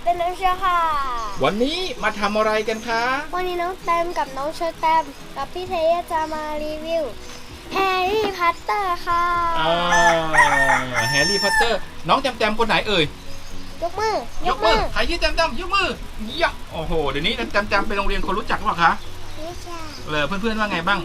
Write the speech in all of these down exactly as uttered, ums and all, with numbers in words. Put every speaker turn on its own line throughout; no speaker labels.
เป็นน้องเชอค่ะ
วันนี้มาทำอะไรกันคะ
วันนี้น้องแตมกับน้องเชอแตมกับพี่เทยจะมารีวิวแฮร์รี่พอตเตอร์ค่ะ
แฮร์รี่พอตเตอร์น้องแจมแจมคนไหนเอ่ย
ยกมือย
กมือใครชื่อแจมแจมยกมือยะโอ้โหเดี๋ยวนี้แจมแจมไปโรงเรียนคนรู้จักหรือเปล่าคะ
รู้จัก
เลยเพื่อนๆว่าไงบ้าง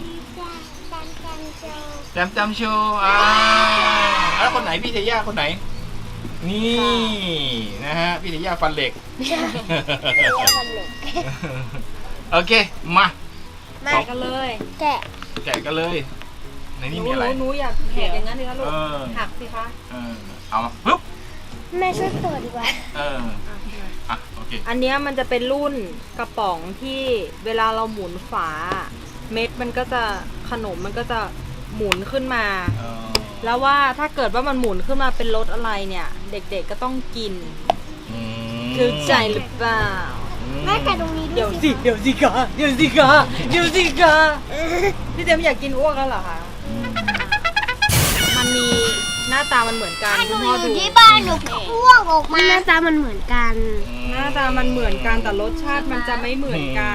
แจมแจมโชว์อ่าแล้วคนไหนพี่เทย่าคนไหนนี่นะฮะพี่เทย่าฟันเหล็ก
ฟันเหล็ก
โอเคมา
แกะกันเลยแกะ
แกะกันเลยในนี้มีอะไร
หนูอยากแหกอย่างนั้นสิคะลูกหักสิคะ
เออเอามาปึ๊บ
แม่ช่วยเปิดดีกว่า
เอออ่ะโอเค
อันนี้มันจะเป็นรุ่นกระป๋องที่เวลาเราหมุนฝาเม็ดมันก็จะขนมมันก็จะหมุนขึ้นมาแล้วว่าถ้าเกิดว่ามันหมุนขึ้นมาเป็นรสอะไรเนี่ยเด็กๆก็ต้องกินคือใจหรือเปล่า
แม่แกะตรงนี้
เดี๋ยวสิเดี๋ยวสิกะเดี๋ยวสิกะเดี๋ยวสิกะพี่เจมอยากกินอ้วกแล้วเหรอคะมันมีหน้าตามันเหมือนกัน
คุณพ่อดูที่บ้านหนูอ้วกออกมาหน้าตามันเหมือนกัน
หน้าตามันเหมือนกันแต่รสชาติมันจะไม่เหมือนกัน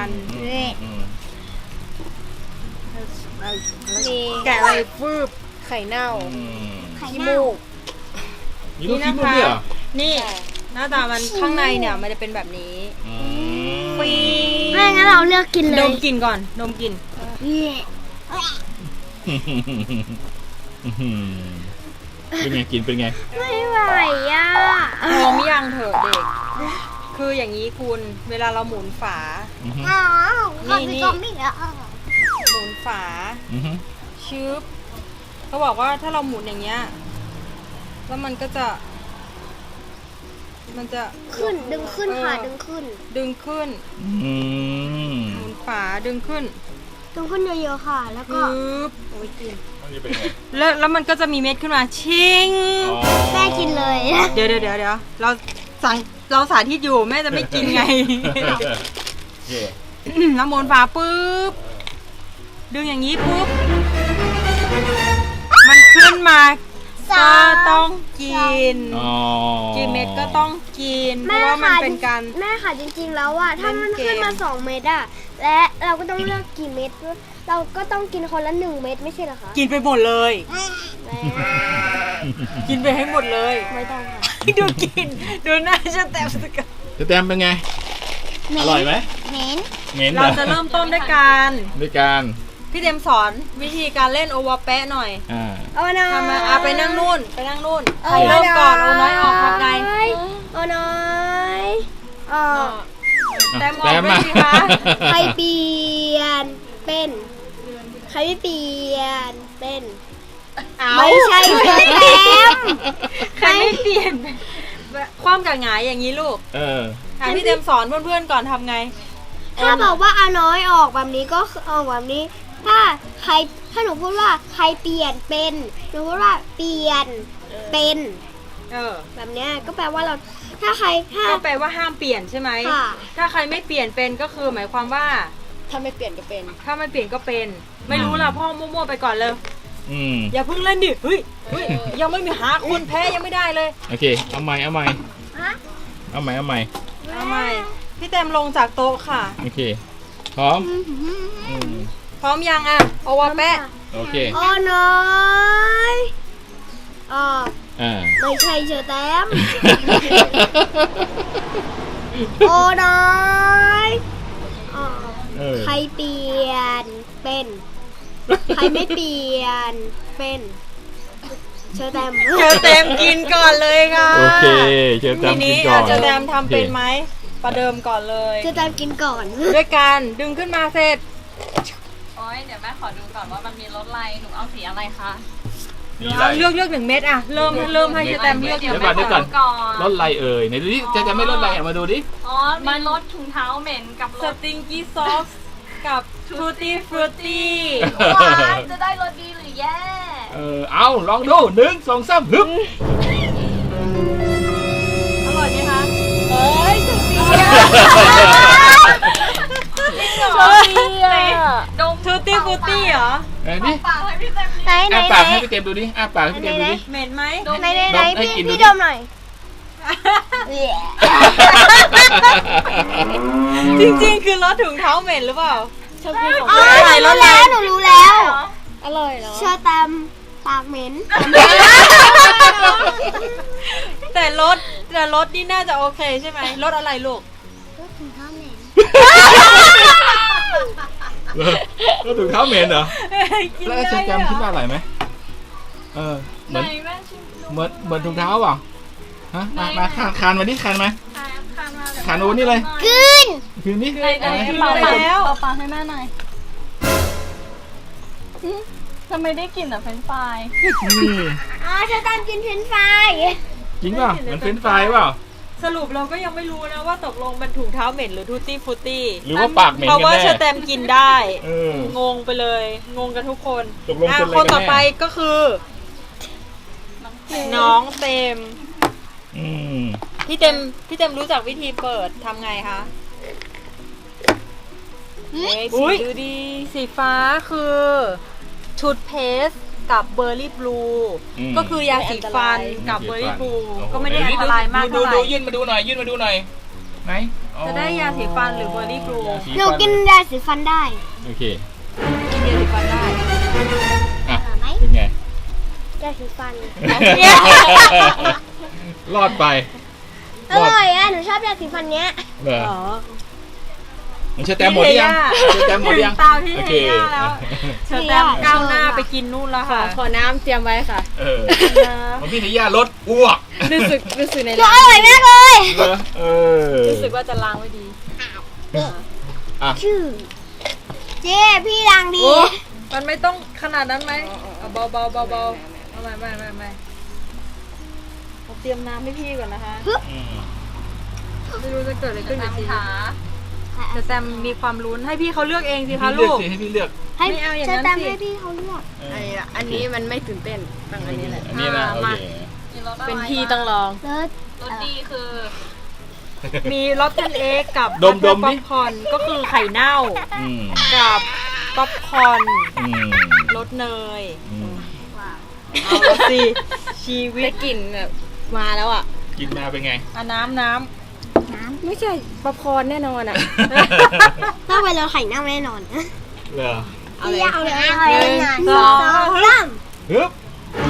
แกะอะไรฟืบไข่เน่าขี้มูก
นี่นะคะ
นี่หน้าตามันข้างในเนี่ยมันจะเป็นแบบนี้
ฟีไม่งั้นเราเลือกกินเลย
ดมกินก่อนดมกิน
เป็นไงกินเป็นไง
ไม่ไหวอ่ะ
พร้อมยังเถอะเด็กคืออย่างนี้คุณเวลาเราหมุนฝา
นี่นี่
หมุนฝาชึบเขาบอกว่าถ้าเราหมุนอย่างเงี้ยแล้วมันก็จะมันจะ
ขึ้นดึงขึ้นค่ะดึงขึ้น
ดึงขึ้นหมุนฝาดึงขึ้น
ดึงขึ้นเยอะๆค่ะแล้วก็
โอ้ยกินแล้วแล้วมันก็จะมีเม็ดขึ้นมาชิง
แม่กินเลย
เดี๋ยวเดี๋ยวเดี๋ยวเดี๋ยวเราสั่งเราสาธิตอยู่แม่จะไม่กินไงแล้วหมุนฝาปุ๊บดึงอย่างนี้ปุ๊บมันขึ้นมาก็ต้องกินกี่เม็ดก็ต้องกินเพราะว่ามันเป็นการ
แม่ค่ะจริงๆแล้วอ่ะถ้ามันขึ้นมาสองเม็ดอ่ะและเราก็ต้องเลือกกี่เม็ดเราก็ต้องกินคนละหนึ่งเม็ดไม่ใช่เหรอคะ
กินไปหมดเลยกินไปให้หมดเลย
ไม่ต้องค่ะ
ดูกินดูหน้าจะแต้มสัก
จะแต้มเป็นไงอร่อยไหม
เหม็น
เหม็นเราจะเริ่มต้นด้วยการ
ด้วยการ
พี่เต็มสอนวิธีการเล่นโอวาแปะหน่อย
อ่า
โอ้น้อย
ทำมาอ่ะไปนั่งนู่นไปนั่งนู่นใครเริ่มก่อนโอน้อยออกทำไง
โอ้น้อยออก
แต้มออกไม่ดีคะ
ใครเปลี่ยนเป็นใครไม่เปลี่ยนเป็นไม่ใช่แต้ม
ใครไม่เปลี่ยนความกับหงายอย่างนี้ลูก
เออ
พี่เต็มสอนเพื่อนๆก่อนทำไง
ถ้าบอกว่าเอาน้อยออกแบบนี้ก็ออกแบบนี้ถ้าใครถ้าหนูพูดว่าใครเปลี่ยนเป็นหนูพูดว่าเปลี่ยนเป็น
เออ
แบบเนี้ยก็แปลว่าเราถ้าใครถ้า
ก็แปลว่าห้ามเปลี่ยนใช่ไหมถ้าใครไม่เปลี่ยนเป็นก็คือหมายความว่า
ถ้าไม่เปลี่ยนก็เป็น
ถ้าไม่เปลี่ยนก็เป็นไม่รู้ละพ่อมั่วๆไปก่อนเลยอย่าเพิ่งเล่นดิเฮ้ยยังไม่มีหาคนแพ้ยังไม่ได้เลย
โอเคเอาใหม่เอาใหม่เอาใหม่เอาใหม่
เอาใหม่พี่เต็มลงจากโต๊ะค่ะ
โอเคพร้อม
พร้อมยังอ่ะโอวาแปะ
โอเค
โอ้น้อยอ๋อไม่ใช่เชอแต้มโอ้น้อยอ๋อใครเปลี่ยนเป็นใครไม่เปลี่ยนเป็นเชอแตม
เชอแตมกินก่อนเลยค่ะ
โอเคเชอแตมกินก่อน
เชอแตมทำเป็นไหมประเดิมก่อนเลย
เชอแตมกินก่อน
ด้วยการดึงขึ้นมาเสร็จ
โอ้ยเดี๋ยวแม่ขอดูก่อนว่ามันมีรสอะไรหนูเอาสีอะไรคะ
เลือกเลือกหนึ่งเม็ดอ่ะเริ่มเริ่มให้เชอแตมเลือก
เดี๋ยวก่อนเดี๋ยวก่อนรสอะไรเอ่ยไหนดูดิจะจะไม่รสอะไรมาดูดิ
อ๋อมันรสถุงเท้าเหม็นกับ
สติงกี้ซอสกับทูตี้ฟรุตตี้
จะได้รสดีหรือแย่
เออเอาลองดูหนึ่งสองสามฮึบ
อร่อยไหมคะ
เอ้ยสุดดีอ่ะ
ดมทูตี้ฟรุตตี้เหรอ
นี่
ปากให้พี่เต็ม
ไหนไหน
อ้าปากให้พี่เต็มดูดิอ้าปากให้พี่เต็มดูดิ
เหม็นไหม
ไหนไหนไหนพี่พี่ดมหน่อย
จริงๆ คือรถถุงเท้าเหม็นหรือเปล่า
ชอบกินของ
อ๋อ
หนูรู้แล้วหนูรู้แล้ว
อร่อยเนาะ
เชื่อตามปากเหม็น
แต่รถแต่รถนี่น่าจะโอเคใช่ไหมรถอะไรลูก
รถถุงเท้าเหม็น
แล้วถุงเท้าเหม็นเหรอ
กิน
แล้ว
ได้
เชฟแจม
เหร
คิด
อ
ว่าอร่อยไหมเออเห
ไหน
มือน
แม่ชิมดู
เหมือนเหมือนถุงเท้าเปล่าฮะมามาคานคานมาดิคานมา
ทานทานมาเลย
คานโอ้นี่เลย
กลืน
คืนนี้
ไหนไหนเป่าเป่าเป่าเป่าให้แม่หน่อยอืมทำไมได้กลิ่นแต่เฟรนช์ฟราย
นี่
อ๋อเชื่อตามกินเฟรนช์ฟราย
จริงเปล่ามันเป็นไฟรายเปล่า
สรุปเราก็ยังไม่รู้นะว่าตกลงเป็นถุงเท้าเหม็นหรือทูตี้ฟูตี้
หรือว่าปากเหม็น
เพราะ
กัน
ว่า
แน่
เชอร์แตมกินได้
เออ
งงไปเลย งงกันทุกคน
ตกลงเป็นอะไร
อ่ะคนต่อ
กันแน่
ไปก็คือ น้องเต็ม
อืม
พี่เต็มพี่เต็มรู้จักวิธีเปิดทำไงคะเอ๊ะ
อุ๊
สี
ย
ดูดี สีฟ้าคือชุดเพสกับเบอร์รี่บลู
อืม
ก็คือยาสีฟันกับเบอร์รี่บลู
โอ้โห
ก็ไม่ได้อันตรายมาก
ดู
เท่าไห
ดู
ร่
ยื่นมาดูหน่อยยื่นมาดูหน่อยไหนอ๋อ
จะได้ยาสีฟันหรือเบอร์รี่บลู
ยาสี
หนู
ฟั
กินยาสีฟันได้
โอเค
กินยาสีฟันได้
อ่ะ
อร่อยไหม
เป็นไง
ยาสีฟัน
รอดไป
อร่อยอ่ะหนูชอบยาสีฟันเนี้ย
เหรอ
อ๋อ
มันเชื่อแต้มหมดหรือยังเชื่อแต้มหมดหรือยัง
ถึงตามพี่
โอ
เท
เค
ย่าแล้วเชอร์แตมก้าวหน้าไปกินนู่นแล้วค่ะ
ขอน้ำเตรียมไว้ค่ะ
เออของพี่เทย่าลดอ้วก
รู้สึกรู้สึกใน
หนู
ร้า
อน ร่อยมากเลย
เหรอเออ
รู้สึกว่าจะล้างไว้ดี
อ่ะ
ชื่อเจ๊พี่ดังดี
โอ้มันไม่ต้องขนาดนั้นไหมเอาเบาเบาเบาเบาเอาไม่ไม่ไม่ไม่เราเตรียมน้ำให้พี่ก่อนนะคะ
อืม
ไม่รู้จะเกิดอะไรขึ้นกับชีวิต
ขา
แต่แซมมีความลุ้นให้พี่เขาเลือกเองสิคะ
ให้พี่เลื
ลู
อก
ก
สิให้พี่เลือก
ให้
ไม่เอาอย่าง
เชิ
นั้
ญ
น
ตาม
สิ
ให้พี่เขาเลือก
เออ
อันนี้อันนี้มันไม่ตื่นเต้นต้องอันนี้แหละ
อันนี้นะโอเค
มีรสอะไร
เป็นพี่ต้องลอง
เลิศ
รสดีคือ
มีรสเทนเอ็กกับ
ดมดม
ป๊อ
ดิ
ปคอร์นก็คือไข่เน่า
อืม
กับป๊อปคอร์น
อืม
รสเนย
อืม
เอาละสิชีวิ
ได้
ต
กลิ่นแบบมาแล้วอ่ะ
กินมาเป็นไง
อ่ะน้ำน้
ไม่ใช่ป๊อปคอร์นแน่นอนอ่ะ
ต้องไปรถไข่เน่าแน่นอน
เหรอ
เอาเลย
เอาเลย
หนึ่ง
สองสาม
ฮึบ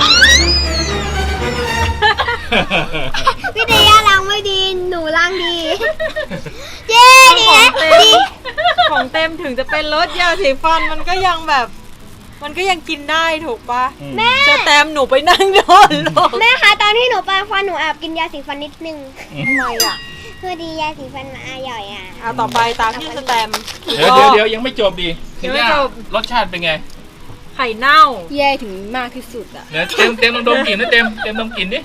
พี่เดียล้างไม่ดีหนูล้างดีเย้
ำ
ดี
ของ
นะ
เต็ม
ดี
ของเต็มถึงจะเป็นรสยาสีฟันมันก็ยังแบบ มันก็ยังกินได้ถูกปะ
แม่
จะแตมหนูไปนั่งโดนลูก
แม่คะตอนที่หนูแปรงฟันหนูแอบกินยาสีฟันนิดนึง
ทำไมอ่ะ
เพื่อดียาสีฟันมาอร่อยอ่ะ
เอาต่อไปตามที่สแตมป์
เดี๋ยวเดี๋ยวเดี๋ยวยังไม่จบดิ
ยังไม่จบ
รสชาติเป็นไง
ไข่เน่า
แย่ถึงมากที่สุดอ่ะ
เดี๋ยวเต็มเต็มลองดมกลิ่นนะเต็มเต็มดมกลิ่นดิ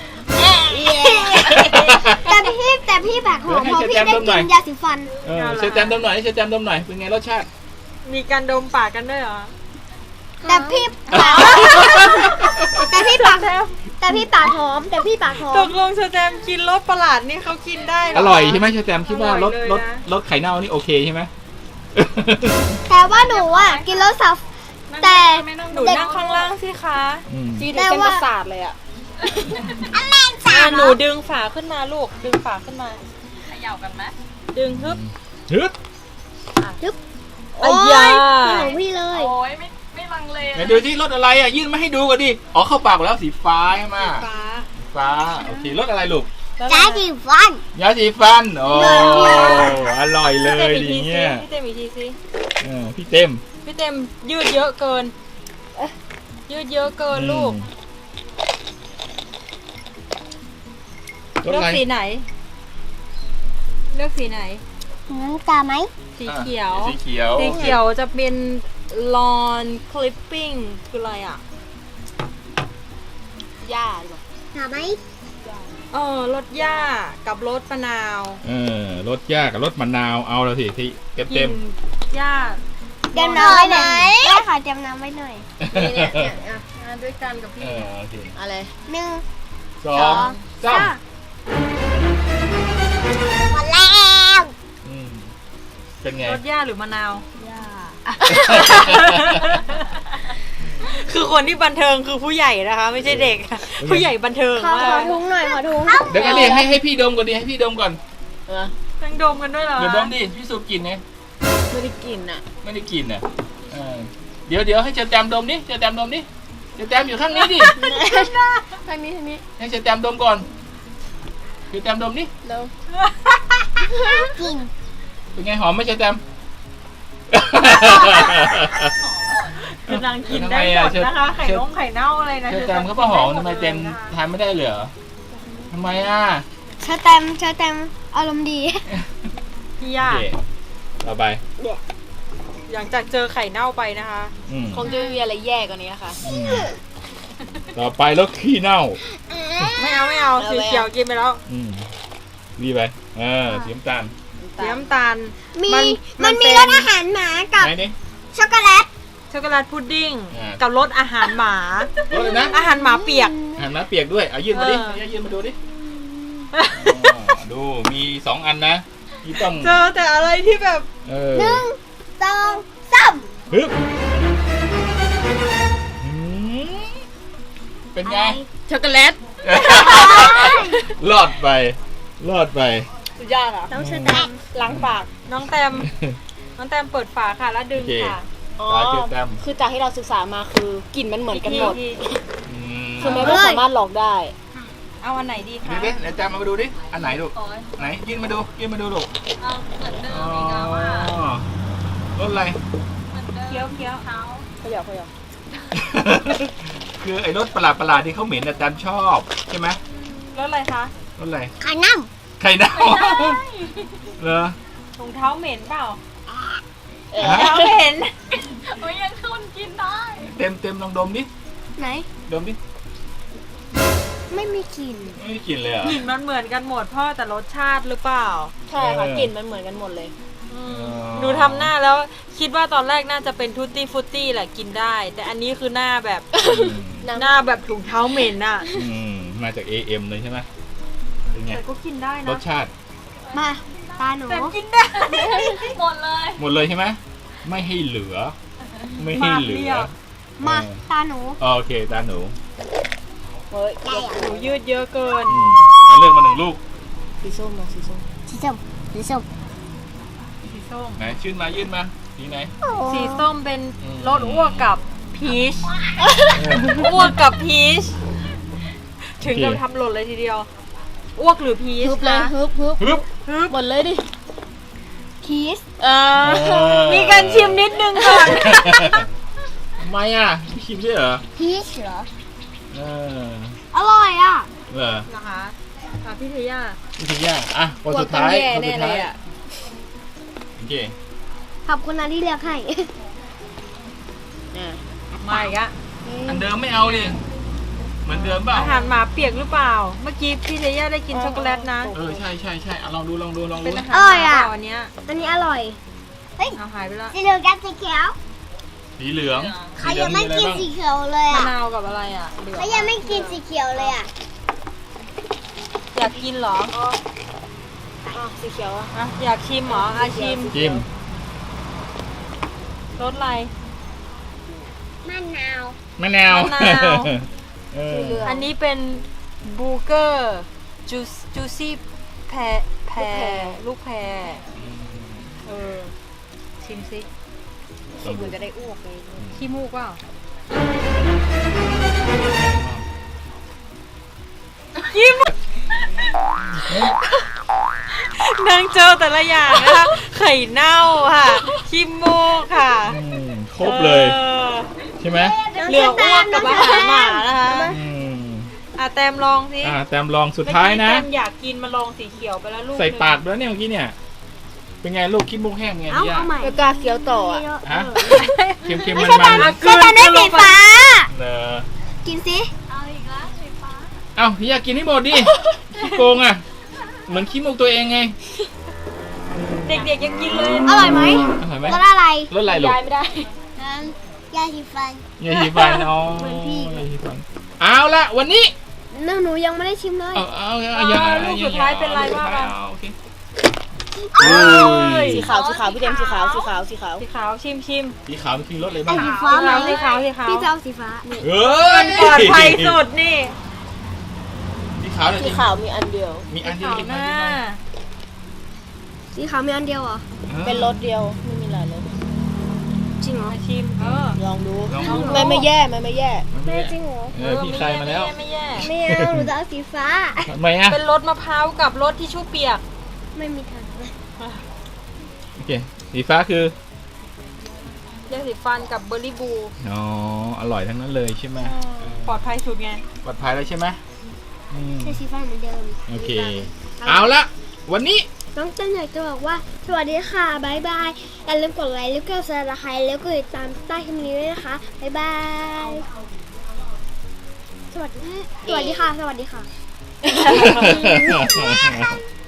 แต่พี่แต่พี่แบบหอมเพราะพี่ได้กินยาสีฟัน
เออเชฟแจมดมหน่อยเชฟแจมดมหน่อยเป็นไงรสชาติ
มีการดมปากกันด้วยเหรอ
แต่พี่ปากแต่พี่ปากแต่พี่ปากหอม แต่พี่ปากหอ
ต
ม
กลงสแตมป์กินรสประหลาดนี่เขากินได้เห
อร่อยใช่ไหมเชฟแจมคิดว่า
อร่
ร
อ
ส
ยเลย
รส
นะ
รสไข่เน่านี่โอเคใช่ไหม
แต่ว่าหนูอ่ะกินรสสับแต่
ไม่ต้อง
หนู
ดู
นั่งข้างล่างสิคะ
อืม
จีถึงเส้นประสาทเลยอ่ะ
อ่ะหนูดึงฝาขึ้นมาลูก ดึงฝาขึ้นมา
เขย่ากันไหม
ดึงฮึบ
ฮึบ
โอ้
อ้
ย
ยา
ของพี่เลย
โอ้ยไม่ไม่ลังเล
ไหนดูที่รสอะไรอ่ะยื่นมาให้ดูก่อนดิอ๋อเข้าปากหมดแล้วสีฟ้าใช่ไหม
ฟ้า
ฟ้าโอเครสอะไรลูก
จ้าสีฟัน
ยาสีฟันโอ้อร่อยเล
พี่เต็ม
ย
อีก
ดี
ทีสิ
เงี้ย
พี่เต็มอีกทีสิ
เออพี่เต็ม
พี่เต็มยืดเยอะเกิน ยืดเยอะเกินลูก
รส
เลือ
อะ
ก
ไร
สีไหน เลือกสีไหน
น้ำตาไหม
สีเขียว
สีเขียว
สีเขียวจะเป็นลอนคลิปปิ้งคืออะไรอ่ะ
หญ้าหรือเปล่า
ตาไหม
เออรสหญ้ากับรสมะนาว
เออรสยากับรสมะนาวเอาแล้วสิที่เต็ม
กิ
เต็ม
นหญ้า
เตรียมน้ำไว้หน่อยได้ค่ะเตรียมน้ำไว้หน่อย
นี่เนี่ยเนี่ยอ่ะอ่ะด้วยกันกับพี่
เออโอเค
อะไร
หนึ่ง
สองสาม
หมดแล้ว
อืมเป็นไง
รสหญ้าหรือมะนาว
หญ้า
คือคือคนที่บันเทิงคือผู้ใหญ่นะคะ ไม่ใช่เด็ก ผู้ใหญ่บันเทิง
ขอ
มา
ขอก ทุงหน่อยขอทุง
เดี๋ยวกันดิให้ให้พี่ดมก่อนดิให้พี่ดมก่อน
นั่งดมกันด้วยเหรอ
เดี๋ยวดมดิพี่สูบกลิ่นไง
ไม่ได้กินอ่ะ
ไม่ได้กลิ่นอ่ะเออเดี๋ยวเดี๋ยวให้เจอแตมดมดิเจอแตมดมดิเจอแตมอยู่ข้างนี้ดิ
ทางนี้ทางนี้
ให้เจอแตมดมก่อนเจอแตมดมดิ
เร็ว
กิน
เป็นไงหอมไหมเจอแตม
คือนางกินได้หมดนะคะไข่นงไข่เน่าอะไรนะ
เจอแตมเขาก็หอมทำไมเต็มทานไม่ได้เหรอทำไมอ่ะ
เชอแตมเชอแตมอารมณ์ดี
พี่
โอย่
า
เคต่อไป
หลังจากเจอไข่เน่าไปนะคะ
อืม
คงจะไม่มีอะไรแย่กว่านี้ค่ะ
อืมต่อไปแล้วขี้เน่า
ไม่เอาไม่เอา
เอา
สี
ไป
เขียวกินไปแล้ว
อืมดีไปเออสีน้ำตาล
สีน้ำตาล
มี
มัน
มัน
มัน
มี
เป็น
รสอาหารหมากับ
ไหนนี่
ช็อกโกแลต
ช็อกโกแลตพุดดิ้ง
อ่ากั
กับรสอาหารหมา
รสอะไรนะ
อาหารหมาเปียก
หันมาเปียกด้วยเอายื่นมาดิ
เออ
เอายื่นมาดูดิอ๋อดูมีสองอันนะที่ต้อง
เจอแต่อะไรที่แบบ
เออ
หนึ่งสองสาม
ฮึบอืมเป็นไง
ช็อกโกแลต
รอดไป รอดไป
สุดยอดอ่ะ
ต้องเชอแตม
ล้างปาก
น้องแตม น้องแตมเปิดฝาค่ะแล้วดึง
โอเค
ค่ะ
อ๋อ
ตาเจ็บแต้ม
คือจากที่เราศึกษามาคือกลิ่นมันเหมือนกันหมด
อีที
อืม
คือมันไม่สามารถหลอกได้
เอาอันไหนดี
ดู
คะ
ดิเดี๋ยวจำมาดูดิ อันไหนลูก
โอ๊ย
ไหนยื่นมาดู ยื่นมาดูลูก
เอาเหมือนเดิม
อ๋อ
อีกแล้วอ่ะ
รสอะไร
เหมือนเดิม
เคี้ยวเคี้ยว
เขา
เขาอยากเขาอยาก
คือไอ้รสประหลาดประหลาดๆที่เขาเหม็นแต่จำชอบใช่ไหม
รสอะไรคะ
รสอะไร
ไข่น้
ไข่เน่าเหรอ
ถุงเท้าเหม็นเปล่า
เออ
ฮะ
เท้าเหม็น
โอ้ยยังคุณกินได้
เต็มเต็มลองดมดิ
ำไหน
ดมดิ
ไม่มีกลิ่น
ไม่ได้กลินเลยเหรอ่ะ
กลิ่นมันเหมือนกันหมดพ่อแต่รสชาติหรือเปล่า
ใช่ค่ะ
เออ
กลิ่นมันเหมือนกันหมดเลย
อืม
อ๋อ
หนูทำหน้าแล้วคิดว่าตอนแรกน่าจะเป็นทุตตี้ฟุตตี้แหละกินได้ แต่อันนี้คือหน้าแบบ
น้ำ
หน้าแบบถุงเท้าเหม็นอ่ะ
อืมมาจาก เอ เอ็ม เลยใช่ไหมเป็นไง
แต่ก็กินได้
ร
นะ
สชาติ
มาตาหนู
แต่กินได้
หมดเลย
หมดเลยใช่ไหมไม่ให้เหลือ ไม่ให้เหลื
มากเรี
อย
บ
มา
เออ
ตาหนู
โอเคตาหนู
เฮ้ย
ได้อะ
หนูยืดเยอะเกิน
อืมเอาเลือกมาหนึ่งลูก
สีส้มมาสีส้ม
สีส้มสีส้ม
สีส้ม
ไหนชื่นมายื่นมาสีไหน
สีส้มเป็น
อืม
รสอ้วกกับพีชอ้วกกับพีชถึงกับทำหล่นเลยทีเดียว อ้วกหรือพีช
ฮึบเลย
นะ
ฮึบฮึบ
ฮึบ
ฮึบ
หมดเลยดิ
คีส
เออ
เออ
มีการชิมนิดนึงก่อน
ทำไมอ่ะไม่ชิมด้วยเหรอ
พีชเหรอ
เออ
อร่อยอ่ะ
เหรอ
นะคะค่ะพี่เทย่า
นี่คือย่างอ่ะคนสุดท้าย
กลัวต้องแย่
คนสุด
แน่
ท้า
เลย ยอะ
โอเค
ขอบคุณนะที่เลือกให้
อ่ะ
มาอีกอะ
อันเดิมไม่เอาดิเหมือนเดิมเปล่า
อาหารหมาเปียกหรือเปล่า เมื่อกี้พี่เทย่าได้กินช็อกโกแลตนะ
เออใช่ใช่ใช่อ่ะลองดูลองดูลอง
เป็
ดู
นอาหารหมาเปล่าอันเนี้ย
อันนี้อร่อย
เอาหายไปแล้ว
สีเหลืองกับสีเขียว
สีเหลือง
ใคร
สีเหลื
ยั
อง
งไม่
มีอะไร
กิน
บ้าง
สีเขียวเลย
มะ
อ่ะ
นาวกับอะไรอ่ะเหลือง
ใครยังไม่กินสีเขียวเลยอ่ะ
อยากกินเหรอ
อ่ะสีเขียวอ่ะ
อ่ะอยากชิมเหรออาชิม
จิ้ม
รสอะไร
มะนาว
มะนาว
มะนาว
เออ
สีเหลือง
อันนี้เป็นบูเกอร์จูจูซี่แพรแพรลูกแพรเออ ชิมซิ
ลอง
เหมื
ดู
อนจะได้อ้วกเลย
ขี้มูกเปล่าขี้มูกนางเจอแต่ละอย่างนะคะไข่เน่าค่ะขี้มูกค่ะ
อืมครบเลย
ออ
ใช่ไหม
เหลืออ้วกกับอาหารหมานะคะ
อืม
อ่ะแตมลองสิ
อ่าแตมลองสุดท้ายนะ
เมื่อกี้แตมอยากกินมาลองสีเขียวไปแล้วลูก
ใส่
หนึ่ง
ปากไปแล้วเนี่ยเมื่อกี้เนี่ย เป็นไงลูกคิดมุกแห้งไง
เอา
พี่ยา
เอาใหม่
แล้วกาเคี้ยวต่ออ่ะ
ฮะเค็มเค็ม
ไม่
มัน
ใช่
มัน
ตาไม่ใช่ตาได้สีฟ้า
เนอะ
กินสิ
เอาอีกแล้วสีฟ้า
เอ้าพี่ยากินให้หมดดิขี้โกงอ่ะ เหมือนขี้มุกตัวเองไง
เด็กๆยังกินเลย
อร่อยไหม
อร่อยไหม
รสอะไร
รสอะไรลูก
ยายไม่ได้
น้ำยาสีฟัน
ยาสีฟันอ๋อ
เหมือนพี่
ยาสีฟันเอาละวันนี้
หนูหนูยังไม่ได้ชิมเลย
เอาเอาเอา
อ่า
อย่า
ลูกสุดท้ายเป็นไรว่ามา
เอาโอเคอุ้ย
สีขาวสีขาวพี่เดมสีขาวสีขาวสีขาว
สีขาวชิมชิม
สีขาวมันคือรสอะไร
ไอ้
บ้าง
สีฟ้าไหม
สีขาวสีขาว
พี่จะเอาสีฟ้า
เอ้ย
ปลอดภัยสุดนี่
สีขาวเลย
สีขาวมีอันเดียว
มีอันเดียว
ขาว
กิน
ห
ไหม
น้า
สีขาวมีอันเดียวเหรอ
เป็นรสเดียวไม่มีหลายรส
จริงเหรอ
มาชิมเออ
ลองดู
ลองดู
ไม่ไม่แย่ไม่ไม่แย่
แม่จริงเหรอ
เออพี่ใครมาแล้ว
ไม่แย่
ไม่เอาหนูจะเอาสีฟ้า
ทำไมอ่ะ
เป็นรสมะพร้าวกับรสที่ชู่เปียก
ไม่มีทาง
โอเคสีฟ้าคือ
ยาสีฟันกับเบอร์รี่บู
อ๋ออร่อยทั้งนั้นเลยใช่ไหม
ปลอดภัยสุดไง
ปลอดภัยแล้วใช่ไหมอืม
ใช้สีฟ้าเหมือนเดิม
โอเค เอาละวันนี้
น้องเต้นอยากจะบอกว่าสวัสดีค่ะบายบายอย่าลืมกดไลค์แล้วก็ซับสไครต์แล้วก็ติดตามใต้คลิปนี้ด้วยนะคะบายบายสวัสดีสวัสดีค่ะสวัสดีค่ะ